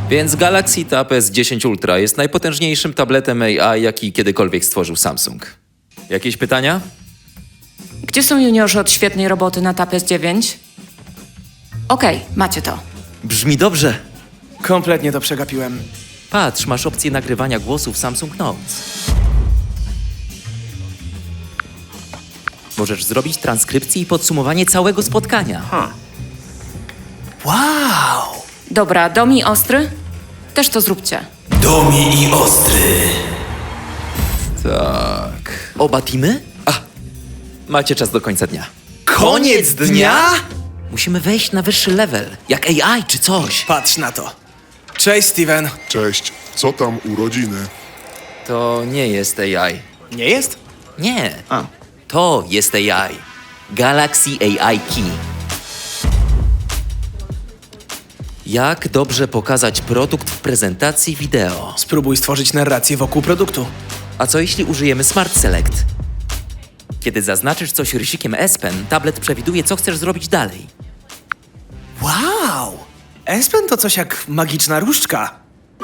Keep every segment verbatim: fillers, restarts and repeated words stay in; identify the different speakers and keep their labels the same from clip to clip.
Speaker 1: Więc Galaxy Tab S dziesięć Ultra jest najpotężniejszym tabletem A I, jaki kiedykolwiek stworzył Samsung. Jakieś pytania?
Speaker 2: Gdzie są juniorzy od świetnej roboty na Tab S dziewięć? Okej, macie to.
Speaker 1: Brzmi dobrze.
Speaker 3: Kompletnie to przegapiłem.
Speaker 1: Patrz, masz opcję nagrywania głosu w Samsung Notes. Możesz zrobić transkrypcję i podsumowanie całego spotkania.
Speaker 3: Wow!
Speaker 2: Dobra, Domi Ostry? Też to zróbcie.
Speaker 4: Domi i Ostry.
Speaker 1: Tak. Oba teamy? A, macie czas do końca dnia.
Speaker 3: Koniec dnia?
Speaker 1: Musimy wejść na wyższy level, jak A I czy coś.
Speaker 3: Patrz na to. Cześć, Steven.
Speaker 5: Cześć, co tam urodziny?
Speaker 1: To nie jest A I.
Speaker 3: Nie jest?
Speaker 1: Nie.
Speaker 3: A.
Speaker 1: To jest A I. Galaxy A I Key. Jak dobrze pokazać produkt w prezentacji wideo?
Speaker 3: Spróbuj stworzyć narrację wokół produktu.
Speaker 1: A co jeśli użyjemy Smart Select? Kiedy zaznaczysz coś rysikiem S Pen, tablet przewiduje, co chcesz zrobić dalej.
Speaker 3: Wow! S Pen to coś jak magiczna różdżka.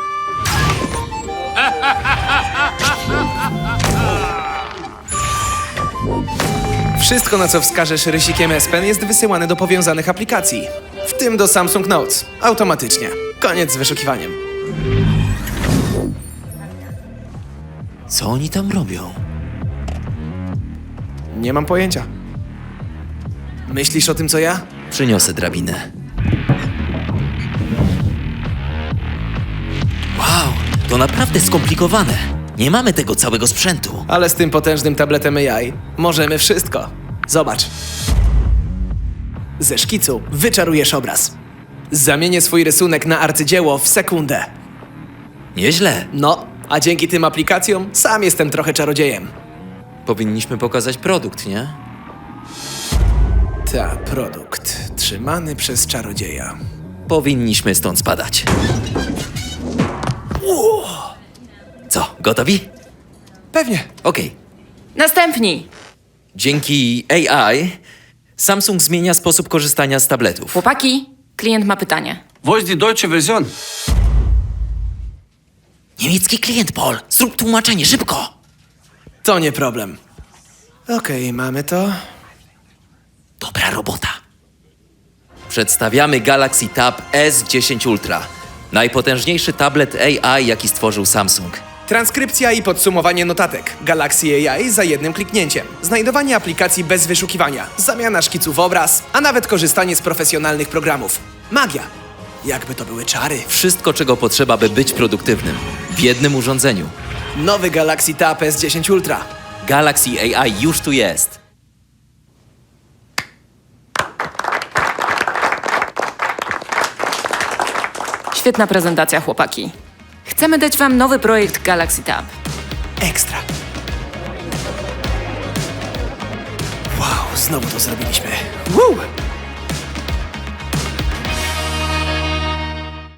Speaker 3: Wszystko, na co wskażesz rysikiem S Pen, jest wysyłane do powiązanych aplikacji. W tym do Samsung Notes. Automatycznie. Koniec z wyszukiwaniem.
Speaker 1: Co oni tam robią?
Speaker 3: Nie mam pojęcia. Myślisz o tym, co ja?
Speaker 1: Przyniosę drabinę. Wow, to naprawdę skomplikowane. Nie mamy tego całego sprzętu.
Speaker 3: Ale z tym potężnym tabletem A I możemy wszystko. Zobacz. Ze szkicu wyczarujesz obraz. Zamienię swój rysunek na arcydzieło w sekundę.
Speaker 1: Nieźle.
Speaker 3: No, a dzięki tym aplikacjom sam jestem trochę czarodziejem.
Speaker 1: Powinniśmy pokazać produkt, nie?
Speaker 3: Ta, produkt. Trzymany przez czarodzieja.
Speaker 1: Powinniśmy stąd spadać. Co, gotowi?
Speaker 3: Pewnie.
Speaker 1: Okej.
Speaker 2: Następni!
Speaker 1: Dzięki A I Samsung zmienia sposób korzystania z tabletów.
Speaker 2: Chłopaki, klient ma pytanie.
Speaker 4: Wo ist die deutsche Version?
Speaker 1: Niemiecki klient, Paul. Zrób tłumaczenie, szybko.
Speaker 3: To nie problem. Okej, mamy to.
Speaker 1: Dobra robota. Przedstawiamy Galaxy Tab S dziesięć Ultra. Najpotężniejszy tablet A I, jaki stworzył Samsung.
Speaker 3: Transkrypcja i podsumowanie notatek. Galaxy A I za jednym kliknięciem. Znajdowanie aplikacji bez wyszukiwania. Zamiana szkicu w obraz, a nawet korzystanie z profesjonalnych programów. Magia. Jakby to były czary.
Speaker 1: Wszystko, czego potrzeba, by być produktywnym. W jednym urządzeniu.
Speaker 3: Nowy Galaxy Tab S dziesięć Ultra.
Speaker 1: Galaxy A I już tu jest.
Speaker 2: Świetna prezentacja, chłopaki. Chcemy dać wam nowy projekt Galaxy Tab.
Speaker 3: Ekstra. Wow, znowu to zrobiliśmy. Woo!